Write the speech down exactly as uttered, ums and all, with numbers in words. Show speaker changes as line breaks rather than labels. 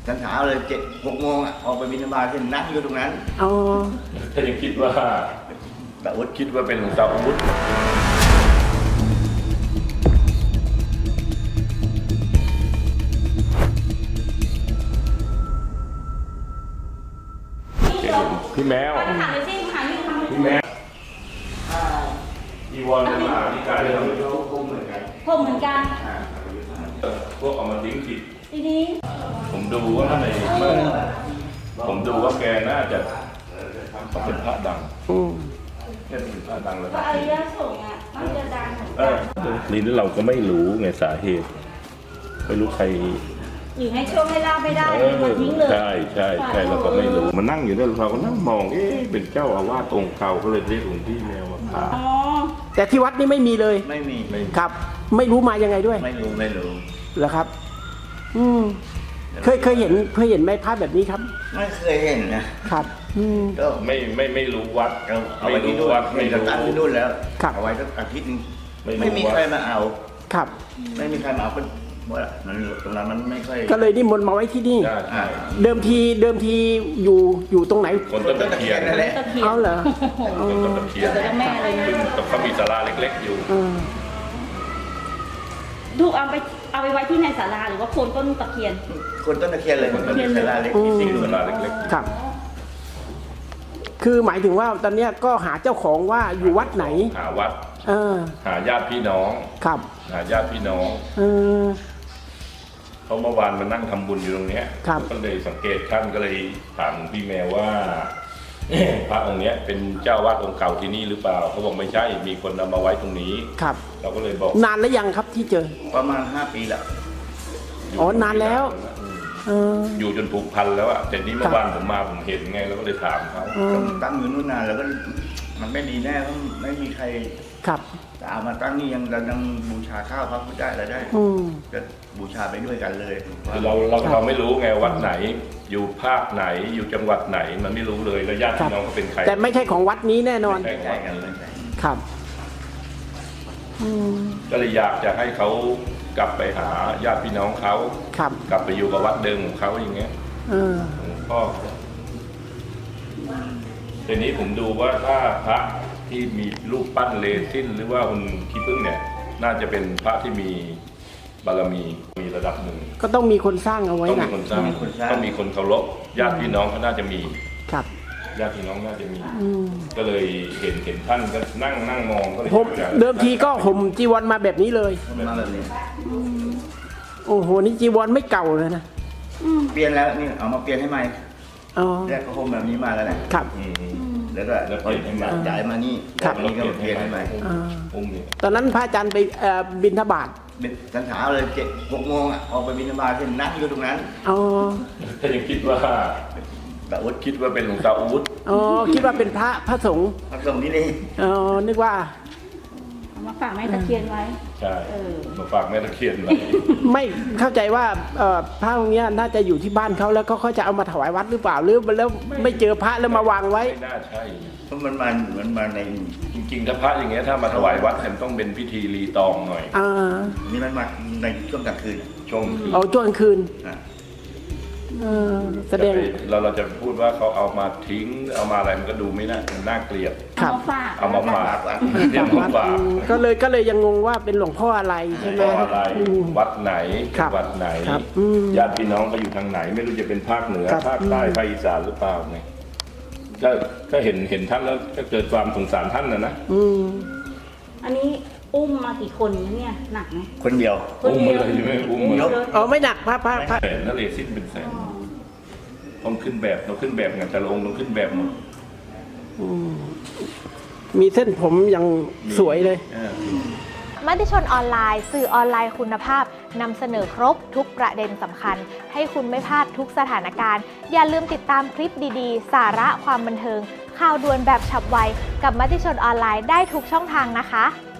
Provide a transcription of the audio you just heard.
ฉันเช้าเลยเจ็ดหกโมงอ่ะออกไปบิณฑบาตเช่นนั่งอยู่ตรงนั้น
อ๋อ
ถ้ายังคิดว่า
แต่อุด
คิดว่าเป็นหลวงตาอุดพี่แมวพี่แมวอีวอนมาที่การทำ
เขาคงเหมือนกัน
ผมเหมือนกัน
พวกเอามาทิ้งผิด
ทีนี้
ผมดูว่าในเมื่อผมดูว่าแกน่าจะเป็นพระดัง
อืม
แค่เป็นพระดังแล้ว
ก็อริยสงฆ์อ่ะมันจะดังเหมือน
เอ
กั
อน นี่เราก็ไม่รู้ไงสาเหตุไม่รู้ใคร
หรือให้โชคให้ลาบไม่ได้
เออ
มันทิ้งเลย
ใช่ใช่ใช่เราก็ไม่รู้มานั่งอยู่เนี่ยเราก็นั่งมองเอ๊ะเป็นเจ้าอาวาสองค์เก่าก็เลยเรียกหลวงพี่แมวมาพา
อ๋อ
แต่ที่วัดนี่ไม่มีเลย
ไม่มี
ไม่
ครับ ไม่รู้มายังไงด้วย
ไม่รู้ไม่รู้
เหรอครับ อืมเคยเคยเห็นเคยเห็นไหมภาพแบบนี้ครับ
ไม่เคยเห็นนะครับ
อืม
ก็
ไม่ไม่ไม่รู้วัด
เราเอา
ไม่
ไว้ที่
รู้
นู่น
วัด
ไม่
ไม่
จะ
รู้
ตั้งที่นู่นแล้ว
ครับ
เอาไว้สักอาทิตย์นึง
ไม่รู้
ไม่มี
ว่า
ใครมาเอา
ครับ
ไม่มีใครมาเอาเพราะว่านั้นตรงนั้นมันไม่ค่อย
ก็เลยนิมนต์มาไว้ที่นี่
ใช่ใช่
เดิมทีเดิมทีอยู่อยู่ตรงไหน
คนต้นตะเคียน
นั่นแหละ
ตะเคียน
เอาเหรอ
คนต้นตะเคียน
เดี๋ยวแม่เลยนะ
ซึ่งเขามีศาลาเล็กๆอยู่
อืม
ถูกเอาไปเอาไปไว้ที่ในศาลาหรือว่าโคนต้นตะเคียน
คนต้นตะเคียนเลยคนต้นตะเคียนลาเล็กที่สี่
ศาลาเล็กๆ
ครับ คือหมายถึงว่าตอนเนี้ยก็หาเจ้าของว่าอยู่วัดไหน
หาวัด
เออ
หาญาติพี่น้อง
ครับ
หาญาติพี่น้อง
เออ
เขาเมื่อวานมานั่งทำบุญอยู่ตรงเนี้ย
ครับ
ก็เลยสังเกตท่านก็เลยถามพี่แมวว่า พระองค์เนี้ยเป็นเจ้าวาดองค์เก่าที่นี่หรือเปล่าเขาบอกไม่ใช่มีคนเอามาไว้ตรงนี้
ครับ
เราก็เลยบอก
นานแล้วยังครับที่เจอ
ประมาณห้าปีละ
ยู่
อ๋อนานแล้ว เออ
อยู่จนผูกพันแล้วอะแต่นี่เมื่อวานผมมาผมเห็นไงแล้วก็เลยถามเขา
เออ
ตั้งอยู่นู่นนานแล้วก็มันไม่ดีแน่เพราะไม่มีใคร
ครับ
จะเอามาตั้งนี่ยังเรายังบูชาข้าวพระพุทธได้อะไรได้
อืม
ก็บูชาไปด้วยกันเลย
คือเราเราเราไม่รู้ไงวัดไหน อยู่ภาคไหนอยู่จังหวัดไหนมันไม่รู้เลยแล้วญาติพี่น้องเขาเป็นใคร
แต่ไม่ใช่ของวัดนี้แน่นอน
ไม่
ใช่กันเลยใช่
ครับ อืม
ก็เลยอยากจะให้เขากลับไปหาญาติพี่น้องเขา
ครับ
กลับไปอยู่กับวัดเดิมของเขาอย่างเงี้ย
เออ
หลวงพ่อทีนี้ผมดูว่าถ้าพระที่มีรูปปั้นเลซินหรือว่าคุณขี้ผึ้งเนี่ย น่าจะเป็นพระที่มีบารมีมีระดับหนึ่ง
ก็ต้องมีคนสร้างเอาไว้
ต้อง
นะ
มีคนสร้างต้องมีคนเคารพญาติพี่น้องเขาน่าจะมี
ครับ
ญาติพี่น้องน่าจะมี
อืม
ก็เลยเห็นเห็นท่านก็นั่งนั่งมองก็เลย
ผม
อยาก
เดิมทีก็ห่มจีวรมาแบบนี้เลย
มันมาแบบนี้
โอ้โห นี่จีวรไม่เก่าเลยนะ
เปลี่ยนแล้วนี่เอามาเปลี่ยนให้ใหม่
อ๋อ
แรกก็คงแบบนี้มาแล้วแหละ
ครับ
อืม
แล้วก็
แล้วเปลี่ยนให้ใหม่
จ่ายมานี่
ครับ
นี่ก็เปลี่ยนให้ใหม่
อ่า
อุ้มเนี่ย
ตอนนั้นพระอาจารย์ไปเอ่อบิณฑบาต
ฉันเช้าเลยเจ็ดหกโมงอ่ะออกไปบิณฑบาตเช่นนั่งอยู่ตรงนั้น
อ๋อ
ถ้ายังคิดว่า
แต่อุด
คิดว่าเป็นหลวงตาอุด
อ๋อ คิดว่าเป็นพระพระสงฆ์
มาส่งนี่เลย
อ๋อ นึกว่า
เอามาฝากแม่ตะเคียนไว้
ใช่
เออ
มาฝากแม่ตะเคียนไว้
ไม่เข้าใจว่าเอ่อพระองค์เนี้ยน่าจะอยู่ที่บ้านเขาแล้วก็เขาจะเอามาถวายวัดหรือเปล่าหรือแล้วไม่เจอพระแล้วมาวางไว้
ไม่น่าใช่
เพราะมันมามันมาใน
จริงๆถ้าพระอย่างเงี้ยถ้ามาถวายวัดมันต้องเป็นพิธีรีตองหน่อย
อ่า
นี่มันมาในช่วงกลางคืน
ช่วงคือ
เอาช่วงกลางคืน
อ่ะ
เออแสดง
เราเราจะพูดว่าเขาเอามาทิ้งเอามาอะไรมันก็ดูไม่น่ามันน่าเกลียด
ครั
เอา
บ
มาฝาก
เอามาฝากเรียกมาฝาก
อืมก็เลยก็เลยยังงงว่าเป็นหลวงพ่ออะไรใช่ไหม
เพราะอะไร
อืม
วัดไหน
ครับ
จังหวัดไหน
ครับอืม
ญาติพี่น้องก็อยู่ทางไหน ไม่รู้จะเป็นภาคเหนือ
ครับ
ภาคใต้ภาคอีสานหรือเปล่าไงก็ก็เห็นเห็นท่านแล้วก็เกิดความสงสารท่านนะนะ
อืม
อันนี้อุ้มมากี่คนเนี่ยหนักไหม
คนเดียว
คน
อุ้ม
เดี
มา
ยว
เลยใช่ไหมอุ้ม
อุ้
มา
เลย
อ๋อไม่หนักพระพระพระ
แสนนั่นเลยสิ้นเป็นแสนต้องขึ้นแบบเราขึ้นแบบไงแต่ละองค์ต้องขึ้นแบบหมด
อืมมีเส้นผมอย่างสวยเลย
เออ
มติชนออนไลน์สื่อออนไลน์คุณภาพนำเสนอครบทุกประเด็นสำคัญ ให้คุณไม่พลาดทุกสถานการณ์ อย่าลืมติดตามคลิปดีๆ สาระความบันเทิง ข่าวด่วนแบบฉับไวกับมติชนออนไลน์ได้ทุกช่องทางนะคะ